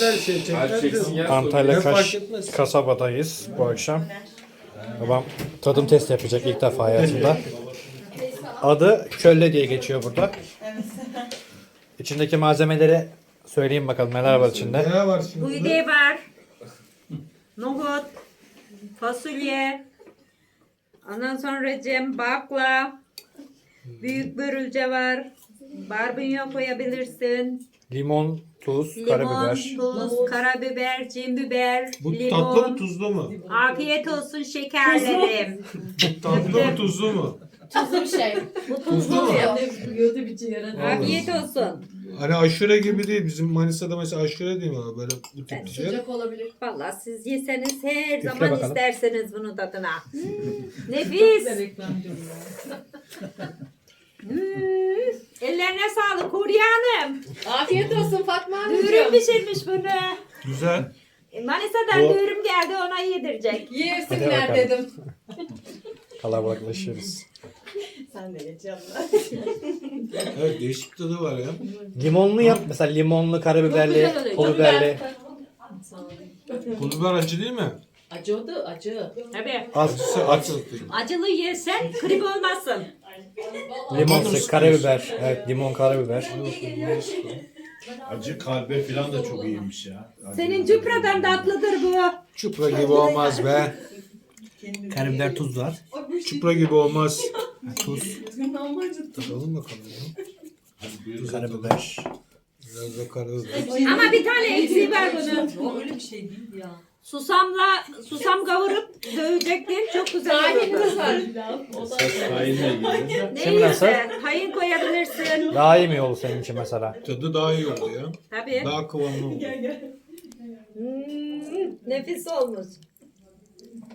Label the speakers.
Speaker 1: her şey çekler.
Speaker 2: Antalya
Speaker 1: Ne fark
Speaker 2: Kaş
Speaker 1: etmez.
Speaker 2: kasabadayız bu akşam. Babam tadım test yapacak ilk defa hayatında. Adı kölle diye geçiyor burada. İçindeki malzemeleri söyleyeyim bakalım neler var içinde.
Speaker 1: Ne var şimdi?
Speaker 3: Buğday var. Nohut. Fasulye. Ondan sonra bakla. Büyük börülce var. Barbunya koyabilirsin.
Speaker 2: Limon, tuz,
Speaker 3: Limon,
Speaker 2: karabiber.
Speaker 3: tuz, karabiber, cin biber,
Speaker 1: Bu
Speaker 3: limon.
Speaker 1: tatlı mı tuzlu mu?
Speaker 3: Afiyet olsun şekerlerim.
Speaker 1: Tatlı mı tuzlu mu?
Speaker 4: Tuzlu bir şey.
Speaker 1: Tuzlu mu?
Speaker 3: Afiyet olsun.
Speaker 1: Hani aşure gibi değil. Bizim Manisa'da mesela aşure değil mi abi? Böyle bu tip bir şey.
Speaker 4: Sıcak olabilir.
Speaker 3: Vallahi siz yeseniz her
Speaker 2: Üfle
Speaker 3: zaman
Speaker 2: bakalım.
Speaker 3: isterseniz bunu tadına. Nefis. Ellerine sağlık Huriye Hanım.
Speaker 4: Afiyet olsun Fatma
Speaker 3: Dürüm
Speaker 4: Hanımcığım.
Speaker 3: pişirmiş bunu.
Speaker 1: Güzel.
Speaker 3: Manisa'dan
Speaker 2: Bu-
Speaker 3: dürüm geldi ona yedirecek.
Speaker 2: Hadi
Speaker 4: Yesinler
Speaker 2: bakalım.
Speaker 4: dedim.
Speaker 2: Kalabalıklaşıyoruz.
Speaker 1: Evet değişik tadı var ya.
Speaker 2: Limonlu yap. Mesela limonlu, karabiberli,
Speaker 3: güzel oluyor.
Speaker 2: pul biberli.
Speaker 1: Pul biber acı değil mi?
Speaker 4: Acı oldu acı.
Speaker 3: Tabii.
Speaker 2: Az,
Speaker 1: Acı.
Speaker 3: Acılı yesen grip olmazsın.
Speaker 2: limon sık, karabiber. Evet, limon, karabiber.
Speaker 5: Acı kalbe falan da çok iyiymiş ya.
Speaker 3: Senin cüpradan tatlıdır bu.
Speaker 1: Çupra gibi olmaz be.
Speaker 2: Karabiber, tuz var.
Speaker 1: Çupra gibi olmaz.
Speaker 2: Tuz,
Speaker 1: Tadalım bakalım ya.
Speaker 2: karabiber.
Speaker 1: Biraz da karabiber.
Speaker 3: Ama bir tane eksiği var bunun.
Speaker 4: Öyle bir şey değil ya.
Speaker 3: Susam kavurup dövecektin. Çok güzel
Speaker 4: Tahinimiz
Speaker 3: olurdu.
Speaker 4: var.
Speaker 5: Tahinle yiyor.
Speaker 2: Şimdi nasıl?
Speaker 3: Neyse, tahin koyabilirsin.
Speaker 2: Daha iyi mi oldu senin için mesela?
Speaker 1: Tadı daha iyi oldu ya.
Speaker 3: Tabii.
Speaker 1: Daha kıvamlı oldu.
Speaker 3: Nefis olmuş.